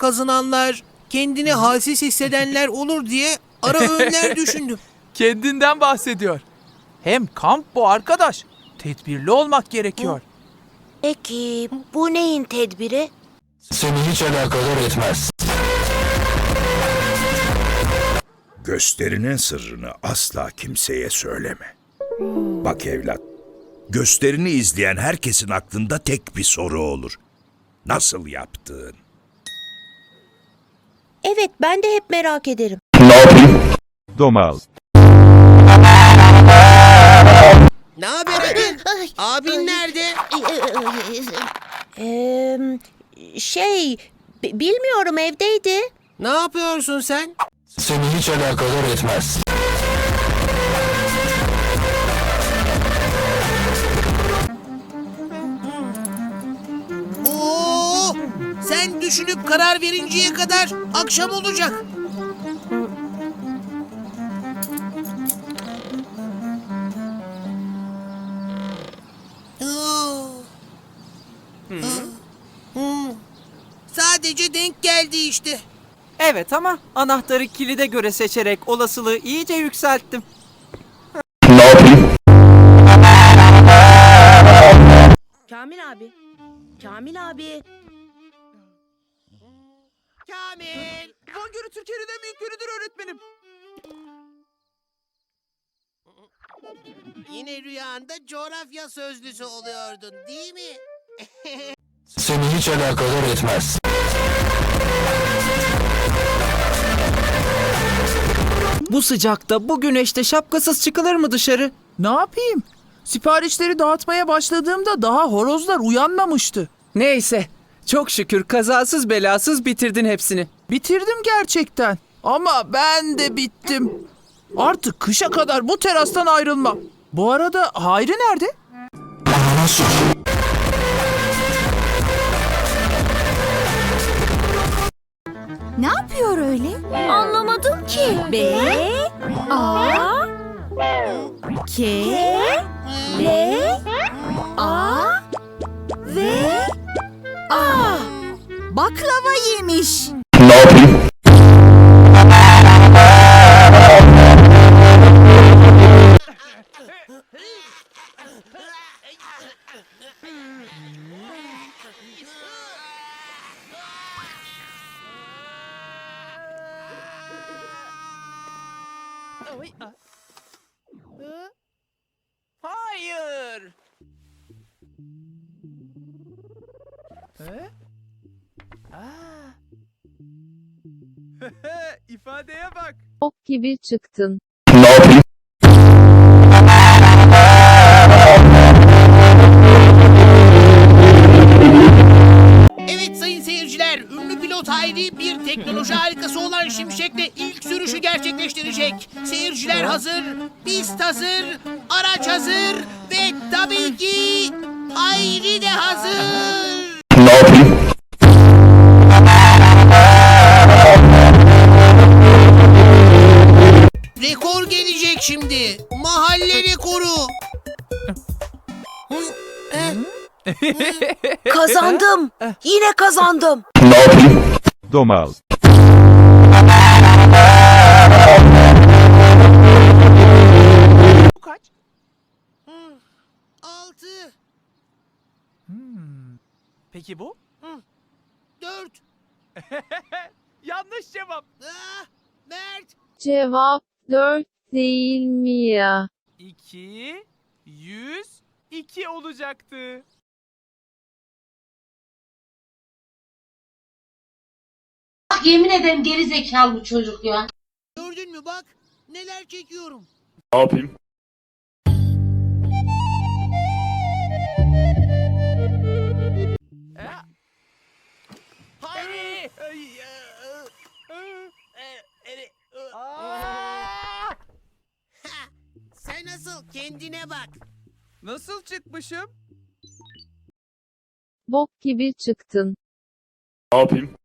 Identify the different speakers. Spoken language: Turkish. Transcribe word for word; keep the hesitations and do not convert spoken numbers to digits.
Speaker 1: kazınanlar, kendini halsiz hissedenler olur diye ara öğünler düşündüm.
Speaker 2: Kendinden bahsediyor. Hem kamp bu arkadaş. Tedbirli olmak gerekiyor.
Speaker 3: Peki bu neyin tedbiri?
Speaker 4: Seni hiç alakadar etmez.
Speaker 5: Gösterinin sırrını asla kimseye söyleme. Bak evlat, gösterini izleyen herkesin aklında tek bir soru olur. Nasıl yaptın?
Speaker 3: Evet, ben de hep merak ederim.
Speaker 6: Domal.
Speaker 1: Ne haber Adil? Abin nerede?
Speaker 3: Ee, şey, b- bilmiyorum, evdeydi.
Speaker 1: Ne yapıyorsun sen?
Speaker 4: Seni hiç alakadar etmez.
Speaker 1: Oo, sen düşünüp karar verinceye kadar akşam olacak. Oo. Hı. Sadece denk geldi işte.
Speaker 2: Evet ama anahtarı kilide göre seçerek olasılığı iyice yükselttim.
Speaker 3: Kamil abi. Kamil abi.
Speaker 1: Kamil!
Speaker 2: Van Gölü Türkiye'nin en büyük gölüdür öğretmenim.
Speaker 1: Yine rüyanda coğrafya sözlüsü oluyordun, değil mi?
Speaker 4: Seni hiç alakadar etmez.
Speaker 2: Bu sıcakta, bu güneşte şapkasız çıkılır mı dışarı? Ne yapayım? Siparişleri dağıtmaya başladığımda daha horozlar uyanmamıştı. Neyse, çok şükür kazasız belasız bitirdin hepsini. Bitirdim gerçekten. Ama ben de bittim. Artık kışa kadar bu terastan ayrılmam. Bu arada Hayri nerede?
Speaker 4: Bana sor.
Speaker 7: Ne yapıyor öyle?
Speaker 3: Anlamadım ki.
Speaker 7: B A K L A V A Baklava yemiş.
Speaker 2: Hayır. He? Aa. İfadeye bak.
Speaker 8: Ok gibi çıktın.
Speaker 1: Evet sayın seyirciler, ünlü pilot Hayri bir teknoloji harikası olan Şimşek'le ilk sürüşü gerçekleştirecek. Seyirciler hazır, pist hazır, araç hazır ve tabii ki Hayri de hazır. Rekor gelecek şimdi. Mahalle rekoru. Hı, eh,
Speaker 3: Kazandım. Yine kazandım.
Speaker 6: Domal.
Speaker 2: Bu kaç?
Speaker 1: altı,
Speaker 2: Peki bu?
Speaker 1: dört.
Speaker 2: Yanlış cevap.
Speaker 1: Ah, Mert.
Speaker 8: Cevap dört değil mi ya?
Speaker 2: iki, yüz, iki olacaktı.
Speaker 9: Yemin ederim geri zekalı bu çocuk ya.
Speaker 1: Gördün mü bak neler çekiyorum.
Speaker 4: Ne yapayım?
Speaker 2: Hayri! Aa!
Speaker 1: Sen nasıl kendine bak.
Speaker 2: Nasıl çıkmışım?
Speaker 8: Bok gibi çıktın.
Speaker 4: Ne yapayım?